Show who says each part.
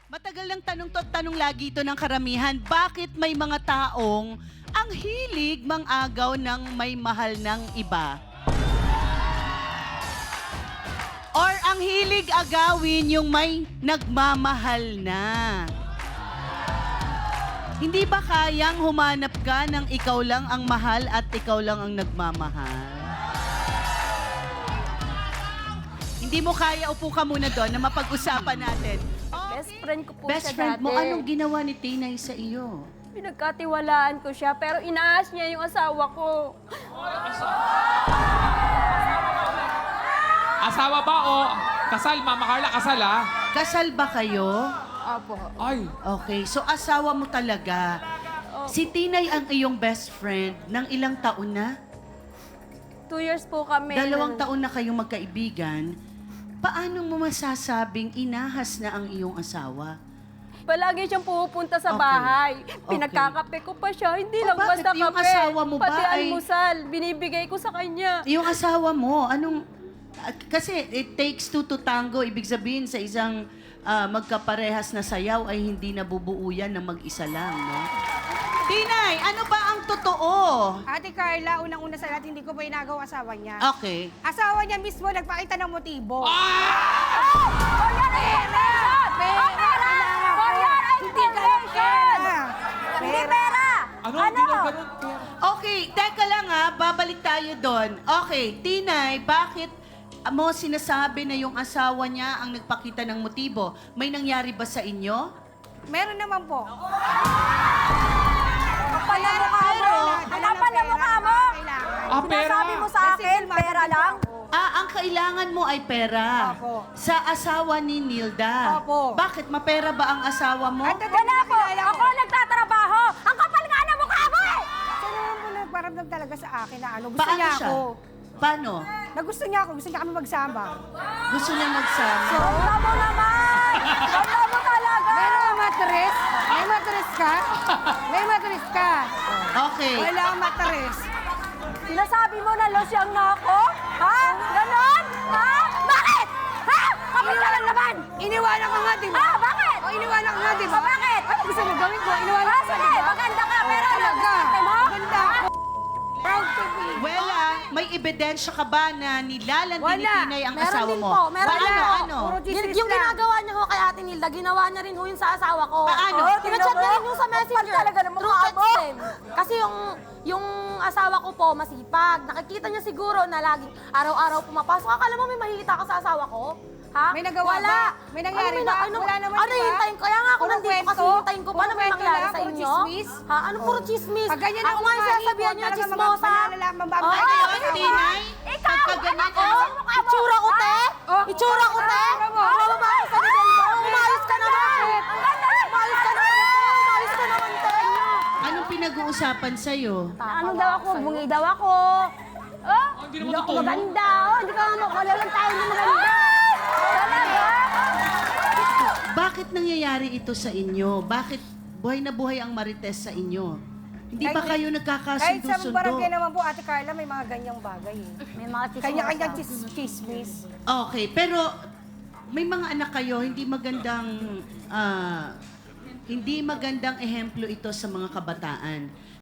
Speaker 1: Matagal ng tanong to at tanong lagi ito ng karamihan, bakit may mga taong ang hilig mang-agaw ng may mahal ng iba? Or ang hilig agawin yung may nagmamahal na? Hindi ba kayang humanap ka ng ikaw lang ang mahal at ikaw lang ang nagmamahal? Hindi mo kaya, upo ka muna doon na mapag-usapan natin.
Speaker 2: Best friend ko po
Speaker 1: Best
Speaker 2: siya
Speaker 1: friend
Speaker 2: dati.
Speaker 1: mo, anong ginawa ni Tinay sa iyo?
Speaker 2: Pinagkatiwalaan ko siya, pero inaas niya yung asawa ko.
Speaker 3: Asawa ba o kasal? Mama Carla, kasal ah?
Speaker 1: Kasal ba kayo?
Speaker 2: Opo.
Speaker 3: Ay,
Speaker 1: Okay, so asawa mo talaga. Si Tinay ang iyong best friend ng ilang taon na?
Speaker 2: 2 years po kami.
Speaker 1: 2 taon na kayong magkaibigan. Paano mo masasabing inahas na ang iyong asawa?
Speaker 2: Palagi siyang pupunta sa
Speaker 1: Okay.
Speaker 2: bahay.
Speaker 1: Okay.
Speaker 2: Pinagkakape ko pa siya. Hindi
Speaker 1: Oh,
Speaker 2: lang
Speaker 1: bakit
Speaker 2: basta
Speaker 1: yung
Speaker 2: kape.
Speaker 1: asawa mo ba
Speaker 2: Pati
Speaker 1: ay-
Speaker 2: almusal, binibigay ko sa kanya.
Speaker 1: Yung asawa mo, anong... Kasi it takes two to tango. Ibig sabihin sa isang magkaparehas na sayaw ay hindi nabubuo yan ng mag-isa lang, no? Tinay, ano ba ang totoo?
Speaker 4: Ate Carla, unang-una sa lahat, hindi ko pa inagaw asawa niya.
Speaker 1: Okay.
Speaker 4: Asawa niya mismo nagpakita ng motibo. Hindi ganun pera.
Speaker 2: Hindi pera!
Speaker 3: ano? Hindi na ganun.
Speaker 1: Okay, teka lang ha, babalik tayo doon. Okay, Tinay, bakit mo sinasabi na yung asawa niya ang nagpakita ng motibo? May nangyari ba sa inyo?
Speaker 4: Meron naman po.
Speaker 2: Kapal na mukha mo! Ang kapal na mukha mo!
Speaker 3: Ah, pera.
Speaker 2: Sinasabi mo sa akin, pera lang?
Speaker 1: Ah, ang kailangan mo ay pera.
Speaker 4: Opo.
Speaker 1: Sa asawa ni Nilda.
Speaker 4: Opo.
Speaker 1: Bakit? Mapera ba ang asawa mo?
Speaker 4: At
Speaker 2: Wala po! Ako nagtatrabaho! Ang kapal nga na mukha mo eh!
Speaker 4: Siya naman po nagparamdam talaga sa akin na ano, gusto
Speaker 1: Paano
Speaker 4: niya
Speaker 1: siya?
Speaker 4: ako.
Speaker 1: Paano?
Speaker 4: Na gusto niya ako, gusto niya kami magsama.
Speaker 1: Gusto niya magsama?
Speaker 2: Ganda mo naman! Ganda mo talaga!
Speaker 4: Meron matres? May matres ka? May matres ka?
Speaker 1: Okay.
Speaker 4: Wala akong matres.
Speaker 2: Sinasabi mo na losyang na ako? Ha? Ganon? Ha? Bakit? Ha? Kapal ka lang naman!
Speaker 4: Iniwanan ka nga, di ba?
Speaker 2: Ha? Bakit?
Speaker 4: O, iniwanan ka nga, di ba?
Speaker 2: O, bakit?
Speaker 4: Ano gusto mo gawin ko? Iniwanan
Speaker 2: Ha?
Speaker 4: ka, di
Speaker 2: Sige,
Speaker 4: ba?
Speaker 2: maganda ka, pero ano
Speaker 4: Talaga.
Speaker 2: gusto mo?
Speaker 4: Maganda ako. Proud to be.
Speaker 1: Well, may ebidensya ka ba na nilalandi ni
Speaker 4: Wala.
Speaker 1: Tinay ang
Speaker 2: Meron
Speaker 1: asawa
Speaker 2: din
Speaker 1: mo?
Speaker 2: po, meron
Speaker 1: Paano?
Speaker 2: din po.
Speaker 1: Ano?
Speaker 4: Puro chismis
Speaker 2: Yung
Speaker 4: lang.
Speaker 2: ginagawa niya ho kay Ate Nilda, ginawa niya rin ho yun sa asawa ko.
Speaker 1: Paano?
Speaker 2: Tinachat niya rin yung sa messenger. Talaga na mukha mo. Kasi yung asawa ko po, masipag. Nakikita niya siguro na laging araw-araw pumapasok. Akala mo may mahihita ka sa asawa ko? Ha?
Speaker 4: May nagawa
Speaker 2: Wala.
Speaker 4: ba? May nangyari ba? Wala naman,
Speaker 2: Ano
Speaker 4: di ba?
Speaker 2: hintayin ko? Kaya nga ako
Speaker 4: Puro
Speaker 2: nandito kasi
Speaker 4: kwento?
Speaker 2: hintayin ko. Paano
Speaker 4: Puro
Speaker 2: may
Speaker 4: kwento
Speaker 2: mangyari
Speaker 4: lang?
Speaker 2: sa
Speaker 4: Puro
Speaker 2: inyo?
Speaker 4: chismis?
Speaker 2: Ha? Ano puro chismis?
Speaker 4: Pag ganyan
Speaker 2: Ako
Speaker 4: ang
Speaker 2: nga yung
Speaker 4: ugali
Speaker 2: sasabihan
Speaker 4: ko,
Speaker 2: niyo,
Speaker 4: talaga
Speaker 2: chismosa.
Speaker 4: mababay
Speaker 2: Oo,
Speaker 4: kayo,
Speaker 2: hindi.
Speaker 1: Tinay?
Speaker 2: Ikaw!
Speaker 1: Pagkaganyan,
Speaker 2: Ako? Itsura ko, te?
Speaker 4: Oh,
Speaker 2: Itsura ko, te?
Speaker 4: itsura mo.
Speaker 2: Umayos ka na mo. Umayos ka naman. Umayos ka naman. Umayos ka naman, te.
Speaker 1: Anong pinag-uusapan sa'yo?
Speaker 2: Ano daw ako? Bungi daw ako. Oh,
Speaker 3: Hindi naman totoo.
Speaker 2: maganda. Oh, hindi ka mo. Wala lang tayo na maganda. Talaga?
Speaker 1: Bakit nangyayari ito sa inyo? Bakit buhay na buhay ang marites sa inyo? Hindi ba kayo
Speaker 4: Kahit sa
Speaker 1: nagkakasundo-sundo?
Speaker 4: barangay naman po, Ate Carla, may mga ganyang bagay eh.
Speaker 2: May mga chismosa.
Speaker 4: Kanya-kanyang chismis.
Speaker 1: Okay, pero may mga anak kayo, hindi magandang ehemplo ito sa mga kabataan.